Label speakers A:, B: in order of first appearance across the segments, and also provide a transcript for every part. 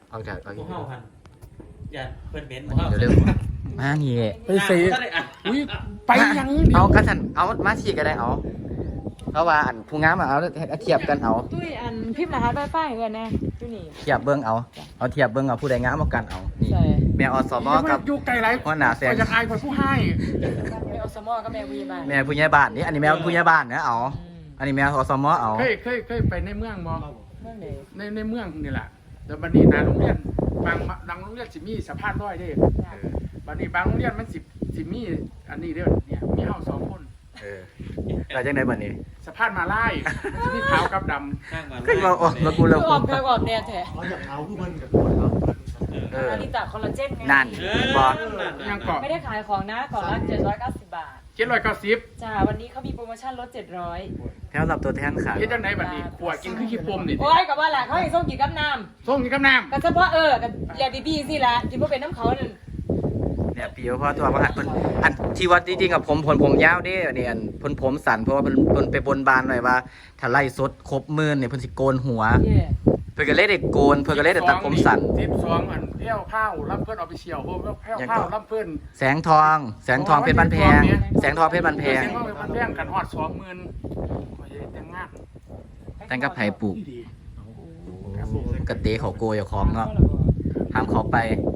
A: เอาจากเอา
B: พวกเฮาพันอย่าเพิ่นเบนซ์
A: เร็วๆมานี่
C: ไปสิอุ้ยไปยัง
A: เอากระสันเอามาฉีกก็ได้เอาเพราะว่าอันผู้งามเอาเทียบกันเอา
D: ตุ้ยอันพิมพ์รหัสไวไฟเงินแน่อยู่นี่
A: เทียบเบิ้งเอาเทียบเบิ้งเอาผู้ใดงามเอากันเอานี่
D: ใช่
A: แม่อสมกับ
C: อยู่ไกลไร
A: หัวหน้าแสง
C: จะอายคนผู้ให้
D: แม่อสมกับแม่วีบ้าน
A: แม่ผู้ใหญ่บ้านนี่อันนี้แม่ผู้ใหญ่บ้านนะเอาอันนี้แม่อสมเอา
C: เคยไปในเมืองบ่
D: เมื่อไหร่
C: ในเมืองนี่แหละแต่บัดนี้นะโรงเรียนบางโรงเรียนสิมีสะพานลอยเด้บัดนี้บางโรงเรียนมันสิมีอันนี้เด้อเนี่ยมีเฮา2 คน
A: เราจังได๋บัดนี้
C: สะพานมาลายมันสิมีขาวกับดำ
B: ข้างมา
A: ขึ้นมาโอ้มากู
D: คื
A: เริ่ม
D: อออกเธอออกแดดแท้
E: เขาอยากเอาผู้มันกับตัวเรา
D: อาริตาคอลลาเจนไง
A: นั่นบ่
C: ยังเกาะ
D: ไม่ได้ขายของนะก่อนละ790 บาท
C: 790
D: จ้าวันนี้เขามีโปรโมชั่นลด700
A: แถวรับตัวแทนขาย
C: เฮ็ดจังไดบัดนี้ขวดกินคือขี้ปมนี่
D: โอ้ยกับว่าแหละเขาให้ส่งกินกับน้
C: ส่งกินกับน้ำ
D: ำกับเฉพาะกับเรียกดีๆสิละกินเพราะเป็นน้ำเขานั่น
A: เนี่ยปีเพราะตัวว่าหันเพิ่นอันที่ว่าจริงๆกับผมยาวเด้อันนี้อันเพิ่นผมสั้นเพราะว่าเพิ่นไปบนบานหน่อยว่าถ้าไล่สดครบหมื่นเนี่ยเพิ่นสิโกนหัว
D: เย่
A: เพิ่นก็เลยได้โกนเพิ่นก็เลยได้ตัดผมสั้น
C: 12อันแพ้วข้าวรับเพิ่นออฟฟิเชียลโฮมแพ้วข้าวรับเพิ่น
A: แสงทองเพชรบ้านแพงแสงทองเพชรบ้านแพง
C: แสงทองเพชรบ้านแพงกันฮอด 20,000โอ้ยแต่งงาน
A: แต่งกับไผปลูก
C: ดี
A: กระเตะเขาโกยของเนาะห้ามเขาไป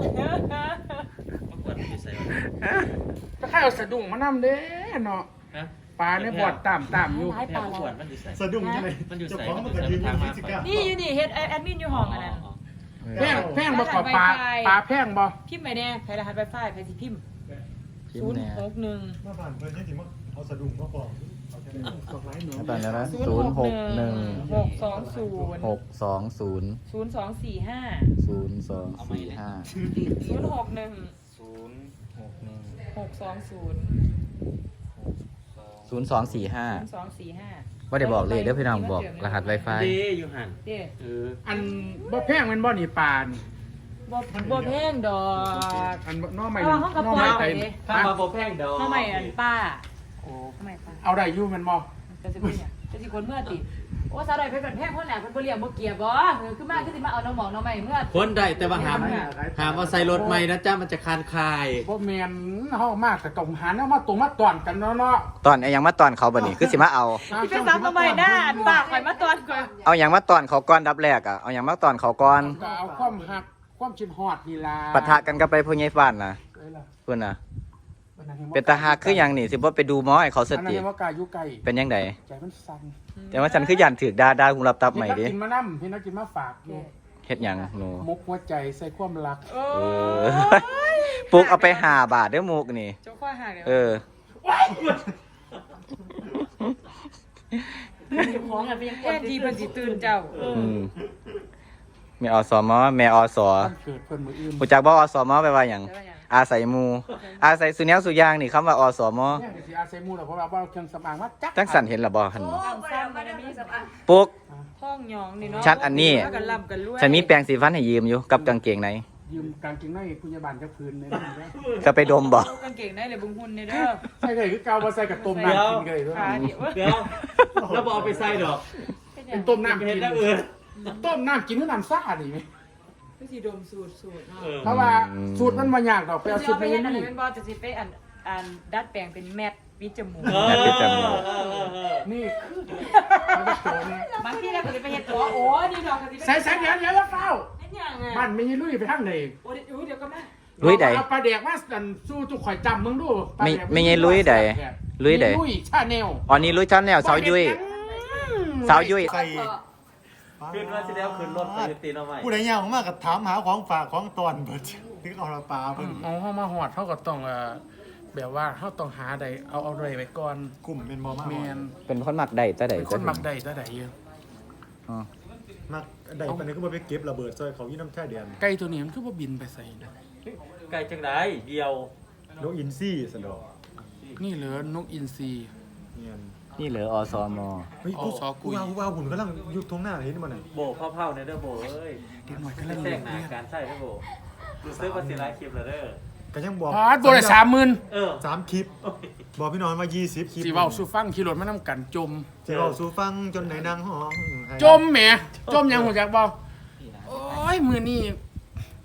B: ปวดที่ใส่
C: ก็ข้าวสะดุ้งมานำเด้เนาะ
B: ฮะ
C: ปลาในบ่อตามอยู่
D: ร้ายปลา
B: ปวดมันอยู่ใส่
E: สะดุ้งยังไง
B: มันอยู่
E: เจ้า
B: ใส่
E: ของมันก็ยืนอยู่ฟิสิก้า
D: นี่อยู่นี่เฮ็ดแอดมินอยู่ห้องอันนั้น
C: แพงบ่ก่อปลาแพงบ่
D: พิมพ์ไปแน่ใครรหัสไวไฟใครสิพิมพ์
A: พิมพ์แน่
D: 061
E: มาผ่านเพิ่นยังสิมาเอาสะดุ้งมาบอกเอาแค่นี้
C: บอกหลายหนู
A: ตอนนี้นะ
D: 061620
A: 0620
D: 0245
A: 0245
D: 061 620
A: 0245
D: 0245
A: ว่าได้บอกเลยเด้อพี่น้องบอกรหัส Wi-Fi
B: ดีอยู่หัน
D: เด้
C: อันบ่แพงแมันบ่นี่ปลานี่
D: บ่แพงดอก
C: อันน้อใหม่
D: เอามาห้องกระป๋อง
C: น้อ
D: ไป
C: ใหม่
D: ดิ
B: ถ้ามาโบแพงดอก
D: ทำไมอันป้า
C: โอ้
D: ทำไมป้า
C: เอาได้อยู่แมันบ่
D: จะสิเป็นเนี่ยจะสิคนเมื่อติโอ้สาวใดเพิ่นเป็นแพงเพิ่นน่ะเพิ่นบ่เลี้ยงบ่เกียบบ่คือมาคือสิมาเอาน้องหมองน้องใหม่เมื่อ
B: คนได้แต่ว่าหามเอาใส่รถใหม่นะจ้ามันจะคานคาย
C: บ่แม่นเฮามากแต่ต้องหาแนวมาตรงมาตอนกันเนาะ
A: ตอนยังมาตอนเขาบัดนี้คือสิมาเอา
D: สิไปซ้ำน้องใหม่หน้าอันป้าข่อยมาตอนก่อน
A: เอายังมาตอนเขาก่อนดับแรกอ่ะเอายังมาตอนเขาก่อน
C: ก็เอาความหักความชินฮอดนี่ล่ะ
A: ปะทะกันกับไปผู้ใหญ่บ้านนะเพิ่นน่ะเป็นตาหักคือหยังนี่สิบ่ไปดูหมอให้เขาส
C: อันนั้น
A: ติ
C: เรียกว่ากายอยู่ไกล
A: เป็นยังไง
C: ใจมันสั่น
A: แต่ว่าฉันคือยันถือดาหูรับตับใหม่ดิ
C: เห็นนักกินมานำเห็นนักกินมาฝากอยู่
A: เฮ็ดหยังหนู
C: มุกหัวใจใส่ความรัก
D: โอ้
A: เออปลูกเอาไป5 บาทเด้อมุกนี่
D: เจ้าข้อหักเดี๋ยว
A: เออ
D: ของอ่ะเป็นยังแค่ทีเพิ่นสิตื่นเจ้า
A: แม่อสมแม่อส
C: วันเกิดเพิ่นมื้ออื่น
A: รู้จักบ่อสมแปลว่าหยังอาศัยหมู่อาศัยสุแนวสุยางนี่คำว่าอสม
C: เนี่ยก็สิอาศัยหมู่ล่ะเพราะว่าเครื่องสำอางมาจัก
A: จังสันเห็นล่ะบ่หั่นบ่
D: ตั้งซ้ำมันมีสบาย
A: ปุ๊ก
D: ท้องหยองนี่เนาะ
A: ชัดอันนี้
D: กันลำกันรวย
A: ฉันมีแปรงสีฟันให้ยืมอยู่กับกางเกงใน
C: ยืมกางเกงในคุณยาบาลจักพื้นในนั้นเด้อ
A: จะไปดมบ่
D: กางเกงได้เลยบุงหุ่นในเด้อ
C: ใช่เลยคือเกาบ่ใส่กับต้มน้ำกินกันเลย
D: ขาเดียว
B: เดี๋ยวแล้วบอกเอาไปใส่ดอก
C: เป็นต้มน้ำกิ
B: เห็น
C: น
B: แล้ว
C: ต้มน้ำกินคือน้ำซ่าดิไหม
D: คือสิดมสูตรเนาะ
C: เพราะว่าสูตรมันบ่ยากดอกไปเอา
D: จะ
C: สูต
D: เอา
C: ร
D: ไป
C: ไป
D: เฮ็ดอัน
C: นี่
D: นี้เป็นบ่จะสิไปอันดัดแปลงเป็นแมทวิจมูก
C: นี่คือมันจะโตนี่
D: บางทีเราก็สิไปเฮ็ดตัวโอ้นี่ดอกก็สิ
C: ใส่เดี๋ยวเฝ้า
D: เฮ็ดหยังอ่ะ
C: บ้านไม่ลุยไปทางไหน
D: โอ้เดี๋ยวก็มา
A: ลุยใด
C: เอาปลาแดกมาสู้จุกข่อยจำมึงดู
A: ไม่ไงลุยใดลุยใด
C: ลุยชาแนล
A: อ๋อนี่ลุยชั้นแล้วสาวยุ้ยสาวยุ้ย
E: ใส่
B: ขึ้นว่าสิแล้วขึ้นรถไปตีนเอาใหม่
E: ผู้ใดยาวมากก็ถามหาของฝากของตอนเบิดถึงเอาละปลาเพิ่น
C: เอาเฮามาหอดเฮาก็ต้องแบบว่าเฮาต้องหาใดเอาอะไรไว้ก่อน
E: กลุ่มเป็นบ่มา
C: แมน
A: เป็นคนมักได้แต่ใด
C: เป็นคนมักใดตาใดอยู่
A: อ๋อ
E: มักได้ปานนี้ก็บ่ไปเก็บระเบิดซอยเขายี่น้ำแท้เดือน
C: ไก่ตัวนี้มันคือบ่บินไปใส่นะ
B: ไกลจังไดเดียว
E: นกอินซี่สะดอก
C: นี่เหลือนกอินทรี
E: เนียน
A: นี่เหลืออสม
E: เฮ้ย
C: อ๋อซอกุย
E: ผู้ว่าหุ่นกำลังอยู่ตรงหน้าเห็นบ่น่ะ
B: โบกเผาๆในเด้อโบเอ้ย
C: เด็กหน่อยก็เล่น
B: แจ้
C: เล่
B: ง
C: น
B: หนาการใส่เด้อโบรู้สึกว่าสิไลฟ์คลิปแล้วเด้อ
E: ก็ยังบอก
C: พาดบ่ได้30,000
B: เออ
E: 3คลิปบอกพี่น้องว่า20คลิป
C: สิเว้าสู่ฟังขี่รถมานํกันจม
E: สิเว้าสู่ฟังจนได้นางห้องให้
C: จมแหมจมยังหัวจักบ่โอ้ยมื้อนี้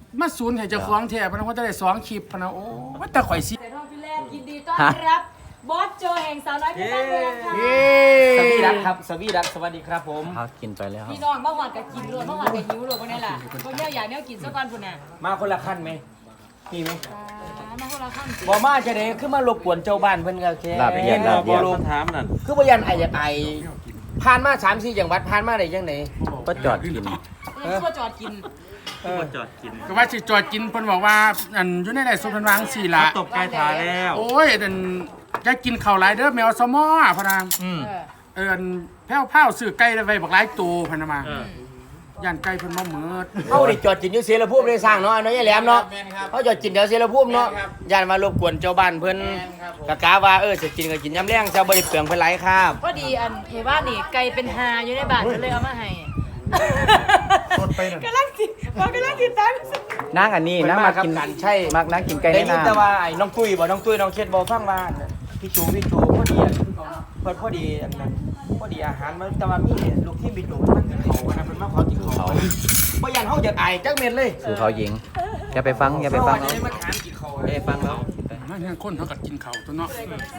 C: มาศูนย์ให้เจ้าของแท้พะนะว่าจะได้2คลิปพะนะโอ้ว่าแต่ข่อยสิ
D: เสียทองพี่แรกยินดีต้อนรับบอสโจแห่งสาวน้อยเพชรบ้านแพงค่ะ
F: สวีดักครับสวีดักสวัสดีครับผม
A: พักกินไปแล้ว
D: พี่น้องบ้าหอดกับกินรวมบ้าหอดกับหิวรวมพวกนี้แหละพวกนี้อยากเนี่ยกินสักวันพุ่นน่ะ
F: มาคนละขั้นไหมมีไหม
D: มาคนละขั้นสิ
F: บอมาจะได้คือมารบกวนเจ้าบ้านเพิ่นก็แค่
A: ลาบเอียดลาบเอียด
B: ถามนั่น
F: คือบ่ยันไอ้อยากไอผ่านมา3-4จังหวัดผ่านมาได้จังได๋
A: ก็จอดกิน
D: นี่ก็จอดกิน
B: จอดกิน
C: ก็ว่าสิจอดกินเพิ่นบอกว่าอันอยู่ในไร่สุพรรณวางสี่ละ
B: ตบไก่ทาแล้ว
C: โอ้ยอันจะกินข้าวหลายเด้อแมวสมอพะนะ อันแพ้วซื้อไก่ไว้บักหลายตัวพะนะมาย่านไก่เพิ่นบ่เหมิด
F: เฮาได้จอดกินอยู่เสรภูมิได้สร้างเนาะอันน้อยยายแหลมเนาะเฮาจอดกินแถวเสรภูมิเนาะย่านมารบกวนเจ้าบ้านเพิ่นกะกะว่าสิกินก็กินยามแลงซะบ่ได้เปลืองเพิ่นหลายครับ
D: พอดีอันหมู่บ้านนี่ไก่เป็นหาอยู่ในบ้านก็เลยเอามาให้
E: สดไปนั่น
D: กำลังติดกำลังติดตาม
A: นั่งอันนี้นั่งมากิน
F: กันใช่
A: มักนั่งกินไก่
F: ได้
A: ใน
F: ยิน
A: น้
F: แต่ว่าไอ้น้องตุ้ยน้องเช็ดบ่ฟังว่าพี่ชูพอดีอะเพิ่นพอดีอันนั้นพอดีอาหารมันแต่ว่ามีลูกที่บิดหนูมันกินเขาอันนั้นเพิ่นมาขอกินเขาบ่ยันเฮาอยากไอจักเม็ดเลย
A: ำสู่เขาหญิงอย่าไปฟังอย่าไปฟัง
F: เฮา
A: เขา
F: จะได้มาถามกินเขา
A: อย่าไปฟังเขา
C: นั่นคนเขาก็กินข้าวตัวเนาะ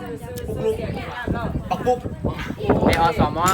F: ปักปุ๊ก
A: ในอสม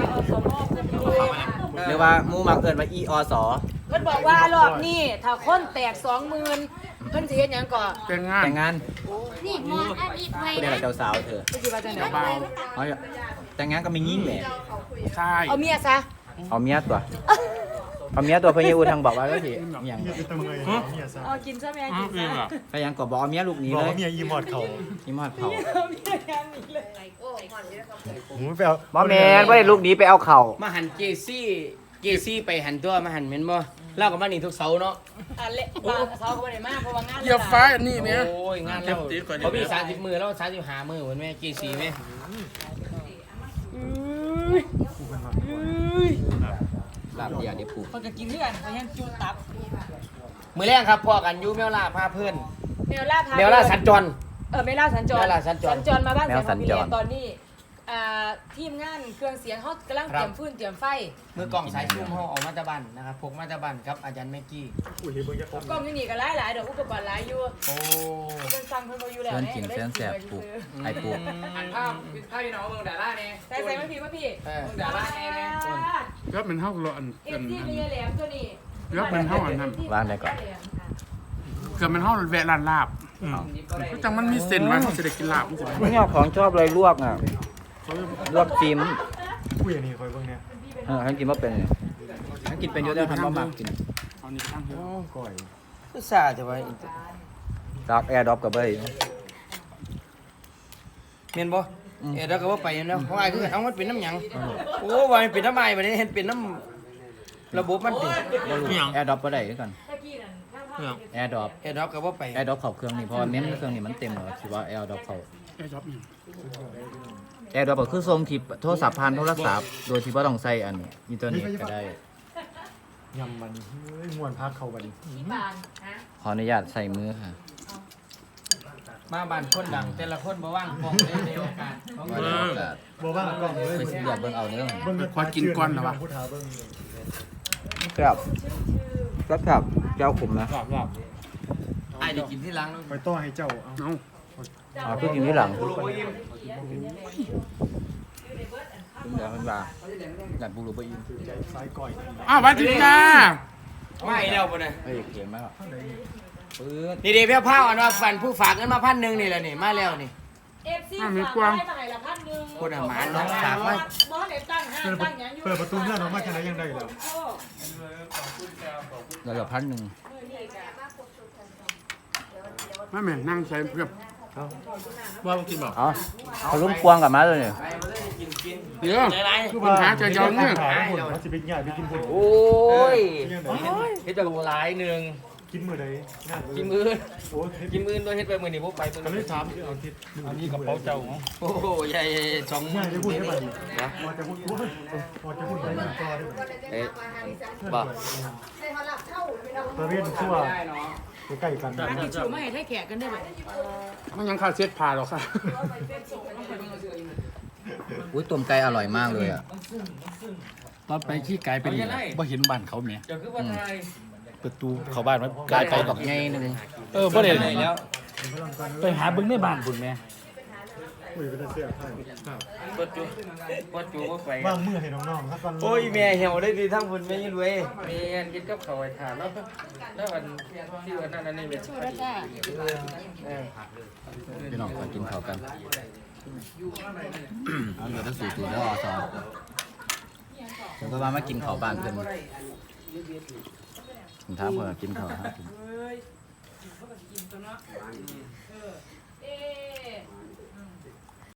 A: หรือว่าหมูมักเกินว่าอีอส
D: เพิ่นบอกว่ารอบนี้ถ้าคนแตก20,000เพิ่นสิเฮ็ดหยังก่อน
C: แต่งงาน
A: แต่งงาน
G: นี่มองอันนี้ไป
A: ผู้ใดล่ะเจ้าสาวเธอ
D: เพิ่นสิว่าจังได๋
C: เบา
A: เอาแต่งงานก็ไม่ยิ่งแหละ
C: ใช่
D: เอาเมียซะ
A: เอาเมียตัวเอาเมียตัวเพื่อนยูทางบอกว่าก็สิอย่าง
E: เมียเป็นตะเมยเมียซะ
D: เอากินซะแม่กินซะ
A: พยายามก็บอกเอาเมียลูกหนี้
E: บอก
A: เลย
E: ว่าเมียอีหมอดเขา
A: นี่มอดเผา
D: เอาเมียงานนี้เลย
E: หมูไปเอา
A: บ่แม่นบ่ได้ลูกหนี้ไปเอาเข่า
F: มาหันเจซี่ไปหันตัวมาหันแม่นบ่เล่ากับมานี่ทุกเสาร์เนาะ
D: อันเละบางเซาก็บ่ได้มาเพราะว่างาน
C: เหยียบฟ้าอันนี้แม่
F: โอ้ยงานเราเขามี30มื้อแล้ว35มื้อเหมือนแม่เจซี่แม่
A: ลาบเดียเดี๋ยวผูก
D: เพิ่นก็กินคือกันเขายังจุดตับ
F: มื้อแรกครับพ่อกันอยู่แมวล่าพาเพื่อน
D: แมวล่าพา
F: แมวล่าสัญจร
D: แมวล่าสัญจร
F: แมวล่าสัญจร
D: สัญจรมาบ้านเสียงของพี่เลี้ยงตอนนี้ทีมงานเครื่องเสียงเขากำลังเตรียมฟืนเตรียมไฟ
F: มือกล่องสายซูมเฮาออกมาตะบันนะครับพกมาตะบันครับอาจารย์แม็กกี้
E: อุ้ยเบิ่งจะครบ
D: กล้องอยู่นี่ก็หลายๆเดี๋ยวอุปกรณ์หลายอยู่
F: โอ้
D: เพิ่นสั่งเพิ่นบ่อยู่แล้ว
A: เส้นกินเส้นแสบผูกไข่ผูก
F: อันภาพพี่น้องเมืองดาราเนี่ย
D: ใส่มาพี่มาพี่
F: เมืองดาราเนี่ย
C: แล้วมันเท่ากับอัน
D: เอ็มที่มีแหลมตัวนี้
C: แล้วมันเท่าอันนั้น
A: วางได้ก่อน
C: เกือบมันเท่าแวะร้านลาบจังมันมีเส้นไว้เขาจะได้กินลาบมันสิ
A: ไม่ชอบของชอบเลยลวกอ่ะลวกจิ้ม
E: อุ้ยอันนี้คอยเบิ่งเนี่ย
A: ฉันกินว่าเป็นฉันกินเป็นเยอะแล้วทำบ่มากกิน
C: เอานี่ไปตั้งเถอะ
E: ก่อย
F: ก็ซาจะไว้
A: ดักแอร์ดรอปกับเบย์
F: เมียนบ่เราก็ว่าไปแล้วเพราะไอ้คือเอามันเป็นน้ำหยังโอ้ว่ามันเป็นน้ำไม้บัดนี้เห็นเป็นน้ำระบบมันติ
A: แอร์ดรอปก็ได้ด้วยกัน
D: ตะกี้นั่น
A: แอร์ดรอป
F: เฮ็ดเราก็ว่าไป
A: แอร์ดรอปเข้าเครื่องนี่เพราะว่าเน้นเครื่องนี่มันเต็มแล้วคิดว่าแอร์ดรอปเข้า
C: ไอ้จ๊อบนี่
A: แอร์ดรอปก็คือส่งที่โทรศัพท์ผ่านโทรศัพท์โดยที่บ่ต้องใช้อันอินเทอร์เน็ตก็ได้
E: ยำมันเฮ้ยม่วนพักเขาบัดนี้
D: ที่บานฮะ
A: ขออนุญาตใส่มือค่ะ
F: มาบ้านคนดังแต่ละคนบ่ว่างกองในโอกาส
E: บ่ว่างกล้องเลย
A: ไปสิเลือกเบิ่งเอาเด้อ
E: เบิ่ง
C: ขอกินก่อนเหรอวะ
E: ผู้ทาเบิ่ง
A: ครับครับเจ้าขุมนะ
F: ไอ้ได้กินที่หลัง
E: ไปต้อให้เจ้าเอา
C: เอา
A: อ๋อคือกินที่หลังคุณเดี๋ยวคุณว่าอยากบูรูบอิน
E: สายก่อย
C: อ้าวสวัสดีจ้า
F: ไม่แล้วบ่เนี่ย
A: เฮ้ยเขียนมากปื๊ด
F: นี่เดี๋ยวเพี้ยวเผาอันว่าฝันผู้ฝากเงินมา1,000นี่แหละนี่มาแล้วนี่
D: เอฟซีฝากให้มาให้ละ1,000
F: คนอาหมาน้องฝากมา
D: บ่ได้ตั้งห้างตั้งหยังอยู่
E: เปิดประตูเงื่อนออกมาจังไดยังได้แล้ว
A: เราเหลือ1,000
C: ไม่แม่นั่งใช้เพื่อว่ากินบอก
A: อ๋อเขาลุ้มพวงกลับมาเลยเนี่ย
C: เดี๋ยวคือปัญหาจะยอมเนี่ย
E: มันสิไปง่ายไปกินพุ่น
F: โอ้ย
E: ยังไง
F: เฮ็ดไปหลายหนึง
E: กินมื้อใดงาน
F: กินมื้อ
E: โอ้ย
F: กินมื้อด้วยเฮ็ดไปมื้อนี้บ่ไปมื้อ
E: ก็เล
F: นี้
E: ยถามเอาทิศ
B: อันนี้กระเป๋าเจ้า
F: โอ้โหใหญ่ๆ2มื้
E: ง่า
F: อย
E: จะพูดได้บัดนี้พอจะพูดพอจะพูดได้มันต่อได้บัด
F: เอ๊ะบ่
E: ตะเวนชั่วใกล้กัน
D: ร้านที่ชูมาให้แขกกันได้บ่
C: มันยังขาดเช็ดผ่าหรอกค่ะ
A: อุ้ยต้มไก่อร่อยมากเลยอ่ะ
C: ตอนไปขี้ไก่เป็นบ่เห็นบ้านเขาแม่
F: เจ้าคือว่าไทย
C: ไป
H: ประตูเข้าบ้านมันกลายไป
A: แบบไงหนึง
H: บ่ได้
F: แล้ว
H: ไปหาเบิ่งในบ้านพุ่นแม่
E: คุยเป็นเสียให้
F: ปดจูก็ไป
E: ว่างมือให้น้องๆครับก่อน
F: โอ้ยแม่เหี่ยวได้ดีทั้งบุญแม่ยิ่งรวย
C: มีงานกินกับเขาวไอ้ถามแล้ววันที่วันนั้นนี่เป็น
G: ชูแล้วจ้า
A: พี่น้องมากินข้าวกันเอาเดี๋ยวต้องสู่ตัวแล้วอสผมก็มากินข้าวบ้านเพิ่นผมถามเพิ่นกินข้าวครับ
D: เอ๊ะ